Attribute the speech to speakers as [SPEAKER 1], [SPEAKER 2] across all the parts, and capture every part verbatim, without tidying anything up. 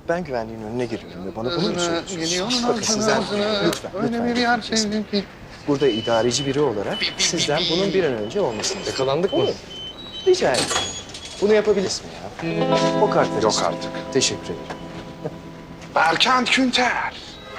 [SPEAKER 1] Ben güvenliğin önüne geliyorum ve bana bunu mu söylüyorsunuz?
[SPEAKER 2] Bakın
[SPEAKER 1] Bakın sizden lütfen,
[SPEAKER 2] öyle bir yer şey değil.
[SPEAKER 1] Burada idareci biri olarak sizden bunun bir an önce olmasını istiyorum.
[SPEAKER 2] Yakalandık mı?
[SPEAKER 1] Rica ederim. Bunu yapabilirsin ya. O kartları
[SPEAKER 2] Yok
[SPEAKER 1] istiyorum.
[SPEAKER 2] artık.
[SPEAKER 1] Teşekkür ederim.
[SPEAKER 2] Berkant Günter.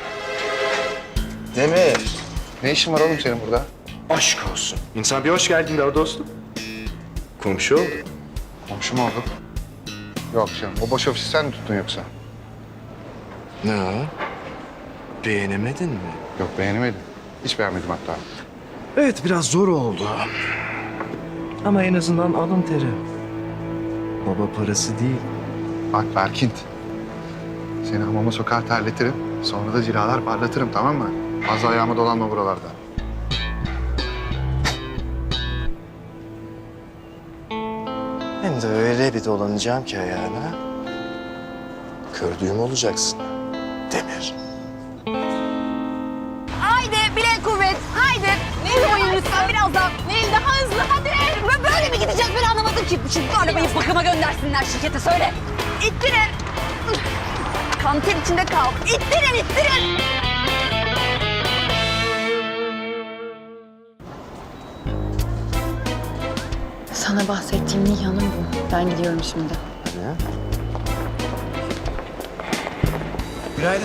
[SPEAKER 1] Demir.
[SPEAKER 2] Ne işin var oğlum senin burada?
[SPEAKER 1] Aşk olsun. İnsan bir hoş geldin de o dostum. Komşu oldu.
[SPEAKER 2] Komşu mu olduk? Yok canım. O boş ofisi sen mi tuttun yoksa?
[SPEAKER 1] Ne o? Beğenemedin mi?
[SPEAKER 2] Yok beğenemedim. Hiç beğenmedim hatta.
[SPEAKER 1] Evet, biraz zor oldu. Ama en azından alın teri. Baba parası değil.
[SPEAKER 2] Bak Berkint. Seni hamama sokar terletirim. Sonra da cilalar parlatırım, tamam mı? Fazla ayağıma dolanma buralarda.
[SPEAKER 1] Hem de öyle bir dolanacağım ki ayağına. Kördüğüm olacaksın. Demir.
[SPEAKER 3] Haydi bilek kuvvet, haydi. Nil oyun lütfen biraz daha. Nil daha hızlı hadi. Ve böyle mi gideceğiz ben anlamadım ki. Şu arabayı bakıma göndersinler şirkete söyle. İttirin. Kanter içinde kal. İttirin, ittirin.
[SPEAKER 4] Sana bahsettiğim Nihan'ım bu. Ben gidiyorum şimdi.
[SPEAKER 1] Hadi. Günaydın.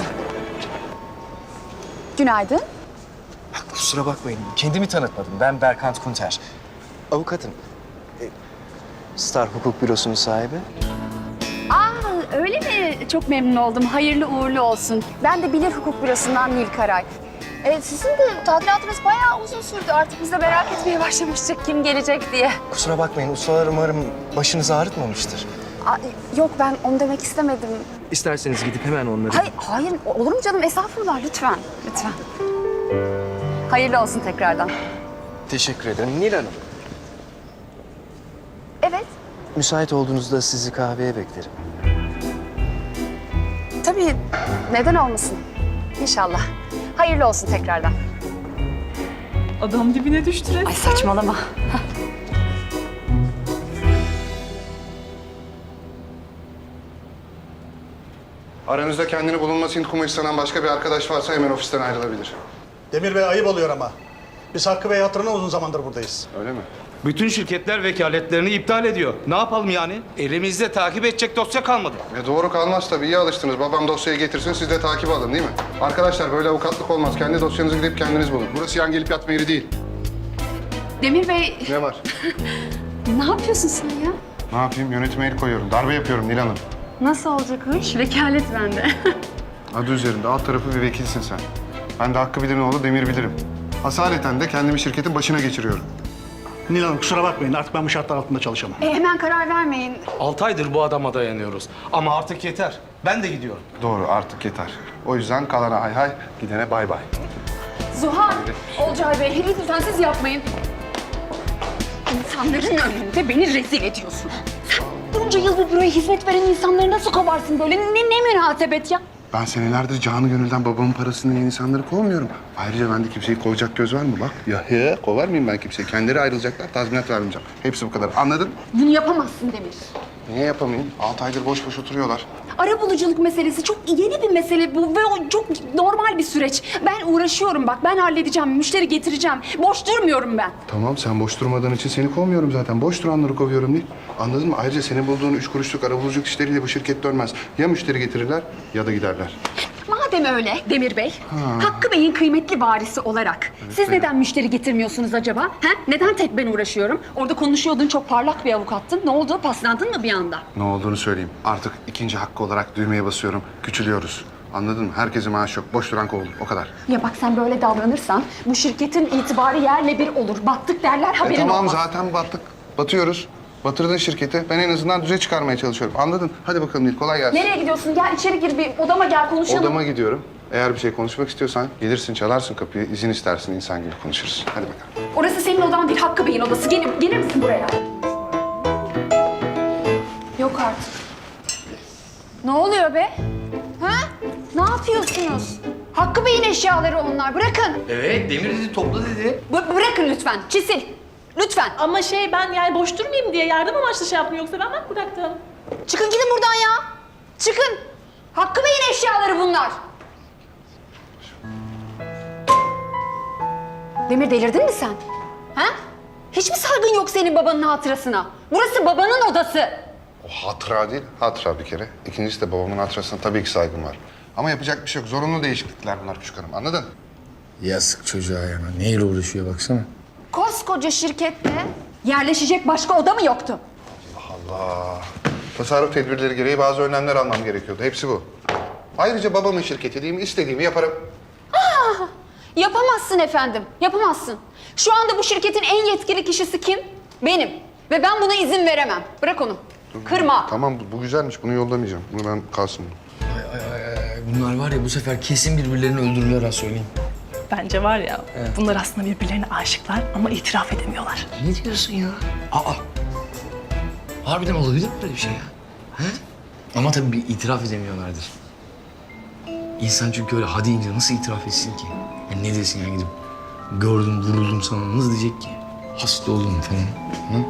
[SPEAKER 3] Günaydın.
[SPEAKER 1] Kusura bakmayın, kendimi tanıtmadım. Ben Berkant Kunter. Avukatım. E, Star Hukuk Bürosu'nun sahibi.
[SPEAKER 3] Aa öyle mi? Çok memnun oldum. Hayırlı uğurlu olsun. Ben de Bilir Hukuk Bürosu'ndan Nil Karay. Ee, sizin de tadilatınız bayağı uzun sürdü. Artık biz de merak etmeye başlamıştık kim gelecek diye.
[SPEAKER 1] Kusura bakmayın, ustalar umarım başınızı ağrıtmamıştır.
[SPEAKER 3] Aa, yok ben onu demek istemedim.
[SPEAKER 1] İsterseniz gidip hemen onları...
[SPEAKER 3] Hayır, hayır olur mu canım? Estağfurullah lütfen, lütfen. Hayırlı olsun tekrardan.
[SPEAKER 1] Teşekkür ederim. Nil Hanım,
[SPEAKER 3] Evet,
[SPEAKER 1] müsait olduğunuzda sizi kahveye beklerim.
[SPEAKER 3] tabii. Neden olmasın? İnşallah. Hayırlı olsun tekrardan.
[SPEAKER 4] Adam dibine düştü resmen.
[SPEAKER 3] Ay saçmalama.
[SPEAKER 2] Aranızda kendini bulunması intikamı istenen başka bir arkadaş varsa hemen ofisten ayrılabilir.
[SPEAKER 5] Demir Bey ayıp oluyor ama. Biz Hakkı Bey hatırına uzun zamandır buradayız.
[SPEAKER 2] Öyle mi?
[SPEAKER 6] Bütün şirketler vekaletlerini iptal ediyor. Ne yapalım yani? Elimizde takip edecek dosya kalmadı.
[SPEAKER 2] E doğru kalmaz tabii. İyi alıştınız. Babam dosyayı getirsin, siz de takip alın değil mi? Arkadaşlar böyle avukatlık olmaz. Kendi dosyanızı gidip kendiniz bulun. Burası yan gelip yatma yeri değil.
[SPEAKER 3] Demir Bey,
[SPEAKER 2] Ne var?
[SPEAKER 3] ne yapıyorsun sen ya?
[SPEAKER 2] Ne yapayım? Yönetime el koyuyorum. Darbe yapıyorum Nil Hanım.
[SPEAKER 3] Nasıl olacak o iş? Vekalet bende.
[SPEAKER 2] Adı üzerinde alt tarafı bir vekilsin sen. Ben de Hakkı Bilir'in oğlu Demir Bilir'im. Asaleten de kendimi şirketin başına geçiriyorum.
[SPEAKER 5] Nil Hanım kusura bakmayın artık ben bu şartlar altında çalışamam.
[SPEAKER 3] E, hemen karar vermeyin.
[SPEAKER 6] Altı aydır bu adama dayanıyoruz. Ama artık yeter. Ben de gidiyorum.
[SPEAKER 2] Doğru artık yeter. O yüzden kalana hay hay, gidene bay bay.
[SPEAKER 3] Zuhal, Olcay Bey, lütfen siz yapmayın. İnsanların önünde beni rezil ediyorsun. Sen bunca yıl bu büroya hizmet veren insanları nasıl kovarsın böyle? Ne, ne münasebet ya?
[SPEAKER 2] Ben senelerdir canı gönülden babamın parasını yiyen insanları kovmuyorum. Ayrıca bende kimseyi kovacak göz var mı bak? Ya he, kovar mıyım ben kimseyi? Kendileri ayrılacaklar, tazminat vermeyeceğim. Hepsi bu kadar. Anladın?
[SPEAKER 3] Bunu yapamazsın Demir.
[SPEAKER 2] Niye yapamayayım? Altı aydır boş boş oturuyorlar.
[SPEAKER 3] Arabuluculuk meselesi çok yeni bir mesele bu ve o çok normal bir süreç. Ben uğraşıyorum bak, ben halledeceğim, müşteri getireceğim. Boş durmuyorum ben.
[SPEAKER 2] Tamam, sen boş durmadığın için seni kovmuyorum zaten. Boş duranları kovuyorum değil. Anladın mı? Ayrıca senin bulduğun üç kuruşluk arabuluculuk işleriyle bu şirket dönmez. Ya müşteri getirirler ya da giderler.
[SPEAKER 3] Madem öyle Demir Bey, Hakkı Bey'in kıymetli varisi olarak siz
[SPEAKER 2] benim.
[SPEAKER 3] neden müşteri getirmiyorsunuz acaba? Ha? Neden tek ben uğraşıyorum? Orada konuşuyordun, çok parlak bir avukattın. Ne oldu? Paslandın mı bir anda?
[SPEAKER 2] Ne olduğunu söyleyeyim. Artık ikinci hakkı olarak düğmeye basıyorum. Küçülüyoruz. Anladın mı? Herkese maaş yok. Boş duran kovulur. O kadar.
[SPEAKER 3] Ya bak sen böyle davranırsan bu şirketin itibarı yerle bir olur. Battık derler,
[SPEAKER 2] E
[SPEAKER 3] haberin
[SPEAKER 2] tamam
[SPEAKER 3] olmaz.
[SPEAKER 2] zaten battık. Batıyoruz. Batırdın şirketi. Ben en azından düze çıkarmaya çalışıyorum. Anladın? Hadi bakalım Nil. Kolay gelsin.
[SPEAKER 3] Nereye gidiyorsun? Gel içeri gir, bir odama gel konuşalım.
[SPEAKER 2] Odama gidiyorum. Eğer bir şey konuşmak istiyorsan gelirsin, çalarsın kapıyı, izin istersin, insan gibi konuşuruz. Hadi bakalım.
[SPEAKER 3] Orası senin odan değil, Hakkı Bey'in odası. Gelir, gelir misin buraya? Yok artık. Ne oluyor be? Ha? Ne yapıyorsunuz? Hakkı Bey'in eşyaları onlar. Bırakın.
[SPEAKER 6] Evet, Demir dedi, topla dedi.
[SPEAKER 3] B- bırakın lütfen. Çisil. Lütfen.
[SPEAKER 7] Ama şey ben yani boş durmayayım diye yardım amaçlı şey yaptım yoksa ben bak bıraktım.
[SPEAKER 3] Çıkın gidin buradan ya. Çıkın. Hakkı bunlar? Demir delirdin mi sen? Ha? Hiç mi saygın yok senin babanın hatırasına? Burası babanın odası.
[SPEAKER 2] O hatıra değil, hatıra bir kere. İkincisi de babamın hatırasına tabii ki saygım var. Ama yapacak bir şey yok. Zorunlu değişiklikler bunlar küçük hanım. Anladın?
[SPEAKER 1] Yazık çocuğa ya. Neyle uğraşıyor baksana.
[SPEAKER 3] Koskoca şirkette yerleşecek başka oda mı yoktu?
[SPEAKER 2] Allah. Tasarruf tedbirleri gereği bazı önlemler almam gerekiyordu. Hepsi bu. Ayrıca babamın şirketi değil mi? İstediğimi yaparım.
[SPEAKER 3] Yapamazsın efendim, yapamazsın. Şu anda bu şirketin en yetkili kişisi kim? Benim. Ve ben buna izin veremem. Bırak onu. Kırma.
[SPEAKER 2] Tamam bu, bu güzelmiş. Bunu yollamayacağım. Bunu ben kalsın.
[SPEAKER 1] Bunlar var ya bu sefer kesin birbirlerini öldürürler ha söyleyeyim.
[SPEAKER 7] Bence var ya bunlar aslında birbirlerine aşıklar ama itiraf edemiyorlar.
[SPEAKER 1] Ne diyorsun ya? Aa. Harbiden olabilir mi böyle bir şey ya? He? Ama tabii bir itiraf edemiyorlardır. İnsan çünkü öyle hadi ince nasıl itiraf etsin ki? Yani ne desin ya gidip gördüm vuruldum sana nasıl diyecek ki? Hasta oldum falan. Ha?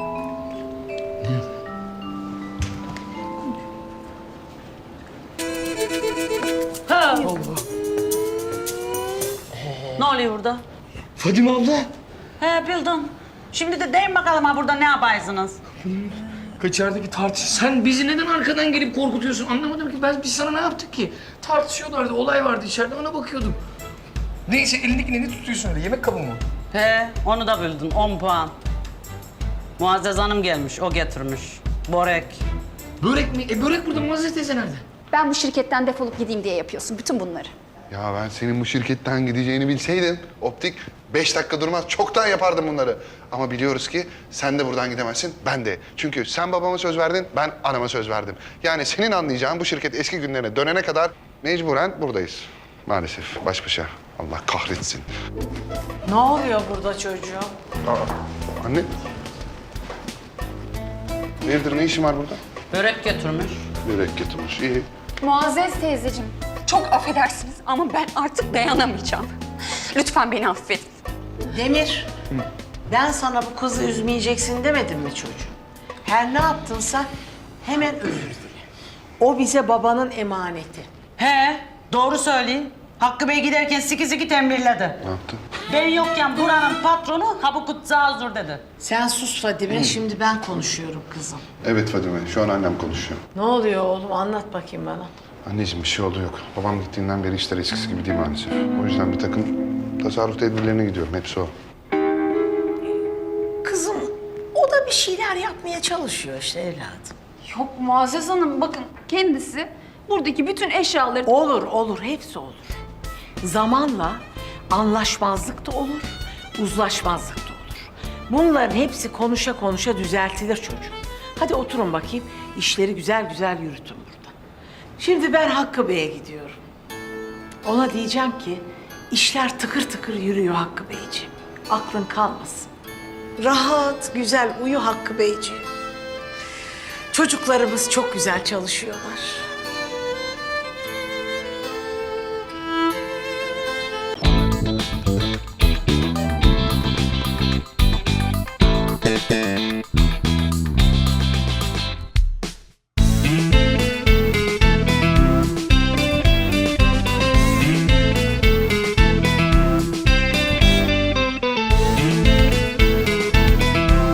[SPEAKER 8] Ne oluyor burada?
[SPEAKER 1] Fadime abla.
[SPEAKER 8] He bildim. Şimdi de deyin bakalım ha burada ne yaparsınız?
[SPEAKER 1] Kaçerdeki tartış. Sen bizi neden arkadan gelip korkutuyorsun? Anlamadım ki. Ben biz sana ne yaptık ki? Tartışıyorlardı. Olay vardı içeride. Ona bakıyordum. Neyse elindekini ne tutuyorsun öyle? Yemek kabı mı?
[SPEAKER 8] He onu da bildin on puan. Muazzez Hanım gelmiş o getirmiş. Börek.
[SPEAKER 1] Börek mi? E börek burada. Muazzez teyze nerede?
[SPEAKER 3] Ben bu şirketten defolup gideyim diye yapıyorsun bütün bunları.
[SPEAKER 2] Ya ben senin bu şirketten gideceğini bilseydim optik beş dakika durmaz çoktan yapardım bunları. Ama biliyoruz ki sen de buradan gidemezsin, ben de. Çünkü sen babama söz verdin, ben anama söz verdim. Yani senin anlayacağın bu şirket eski günlerine dönene kadar mecburen buradayız. Maalesef baş başa. Allah kahretsin.
[SPEAKER 8] Ne oluyor burada çocuğum?
[SPEAKER 2] Aa, anne. Hayırdır ne işin var burada?
[SPEAKER 8] Börek getirmiş.
[SPEAKER 2] Börek getirmiş, iyi.
[SPEAKER 3] Muazzez teyzeciğim, çok affedersiniz ama ben artık dayanamayacağım. Lütfen beni affedin.
[SPEAKER 9] Demir, ben sana bu kızı üzmeyeceksin demedim mi çocuğum? Her ne yaptınsa hemen özür dile. O bize babanın emaneti.
[SPEAKER 8] He doğru söyleyin. Hakkı Bey giderken siki siki tembirledi.
[SPEAKER 2] Ne yaptın?
[SPEAKER 8] Ben yokken buranın patronu ha bu kutsağı huzur dedi.
[SPEAKER 9] Sen sus Fadime, şimdi ben konuşuyorum kızım.
[SPEAKER 2] Evet Fadime, şu an annem konuşuyor.
[SPEAKER 9] Ne oluyor oğlum, anlat bakayım bana.
[SPEAKER 2] Anneciğim bir şey oldu yok. Babam gittiğinden beri işler eskisi gibi değil maalesef. O yüzden bir takım tasarruf tedbirlerine gidiyorum. Hepsi o.
[SPEAKER 9] Kızım, o da bir şeyler yapmaya çalışıyor işte evladım.
[SPEAKER 3] Yok Muazzez Hanım, bakın kendisi buradaki bütün eşyaları...
[SPEAKER 9] Olur, olur, hepsi olur. Zamanla anlaşmazlık da olur, uzlaşmazlık da olur. Bunların hepsi konuşa konuşa düzeltilir çocuğum. Hadi oturun bakayım, işleri güzel güzel yürütün burada. Şimdi ben Hakkı Bey'e gidiyorum. Ona diyeceğim ki, işler tıkır tıkır yürüyor Hakkı Beyciğim. Aklın kalmasın. Rahat, güzel uyu Hakkı Beyciğim. Çocuklarımız çok güzel çalışıyorlar.